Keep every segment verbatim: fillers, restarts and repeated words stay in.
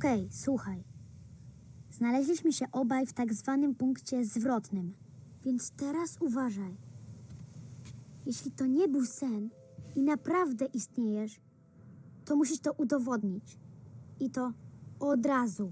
Okej, słuchaj. Znaleźliśmy się obaj w tak zwanym punkcie zwrotnym, więc teraz uważaj. Jeśli to nie był sen i naprawdę istniejesz, to musisz to udowodnić. I to od razu.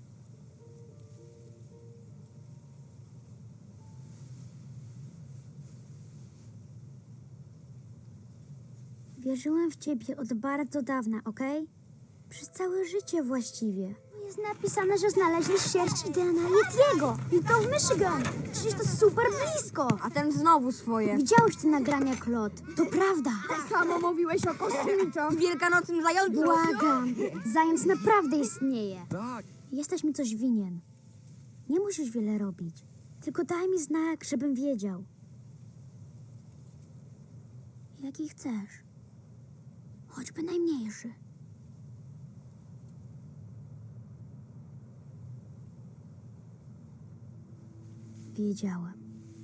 Wierzyłem w ciebie od bardzo dawna, okej? Przez całe życie właściwie. Jest napisane, że znaleźli sierść i D N A Yetiego. I to w Michigan. Przecież to super blisko. A ten znowu swoje. Widziałeś te nagrania, Claude. To prawda. Samo mówiłeś o kosmitach. Wielkanocnym zającu. Błagam. Zając naprawdę istnieje. Tak. Jesteś mi coś winien. Nie musisz wiele robić. Tylko daj mi znak, żebym wiedział. Jaki chcesz. Choćby najmniejszy. Wiedziałem.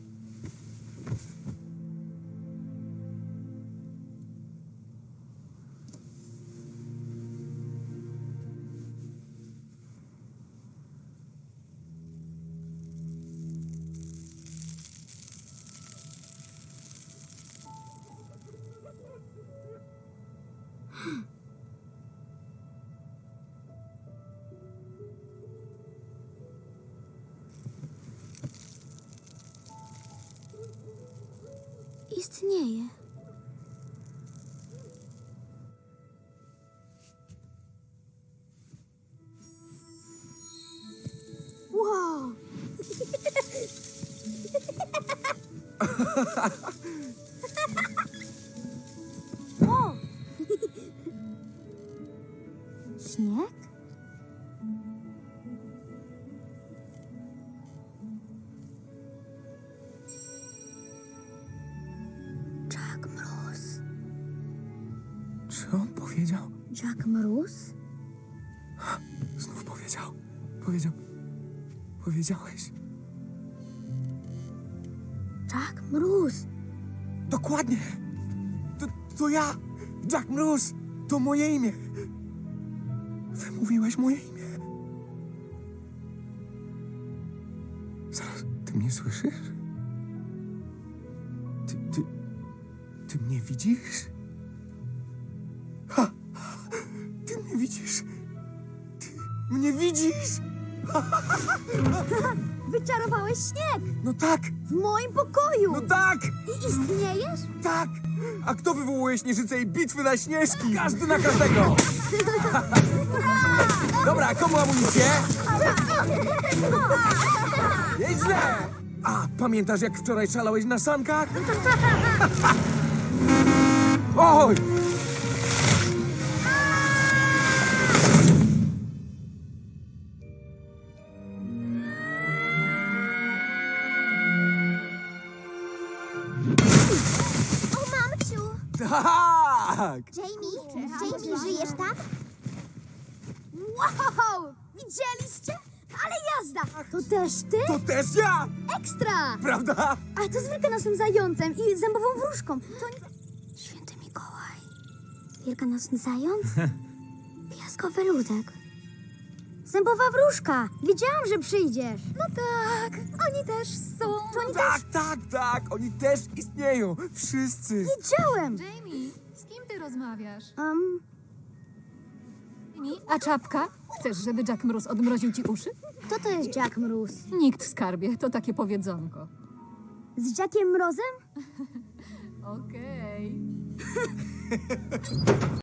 Istnieje. Wow! O! Śnieg? Jack Mróz. Czy on powiedział? Jack Mróz? Znów powiedział. Powiedział. Powiedziałeś. Jack Mróz. Dokładnie. To, to ja. Jack Mróz. To moje imię. Wymówiłeś moje imię. Zaraz, ty mnie słyszysz? Ty, ty, ty mnie widzisz? Ha! Ty mnie widzisz? Ty mnie widzisz? Wyczarowałeś śnieg No tak, w moim pokoju. no tak, I istniejesz? tak! A kto wywołuje śnieżycę i bitwy na śnieżki? Każdy na każdego! Dobra, komu amunicję? Nieźle! A, pamiętasz jak wczoraj szalałeś na sankach? Oj! O, mamciu! Tak! Jamie? Jamie, żyjesz tam? Wow! Widzieliście? Ale jazda! To też ty? To też ja! Ekstra! Prawda? A to z wielkanocnym zającem i zębową wróżką. To nie... Święty Mikołaj. Wielkanocny zając? Piaskowy ludek. Zębowa wróżka. Wiedziałam, że przyjdziesz. No tak. Oni też są. To oni Tak, tak, tak! Oni też istnieją! Wszyscy! Wiedziałem. Jamie, z kim ty rozmawiasz? Um, Jamie, a czapka? Chcesz, żeby Jack Mróz odmroził ci uszy? kto to jest Jack Mróz? Nikt, skarbie, to takie powiedzonko. Z Jackiem Mrozem? Okej.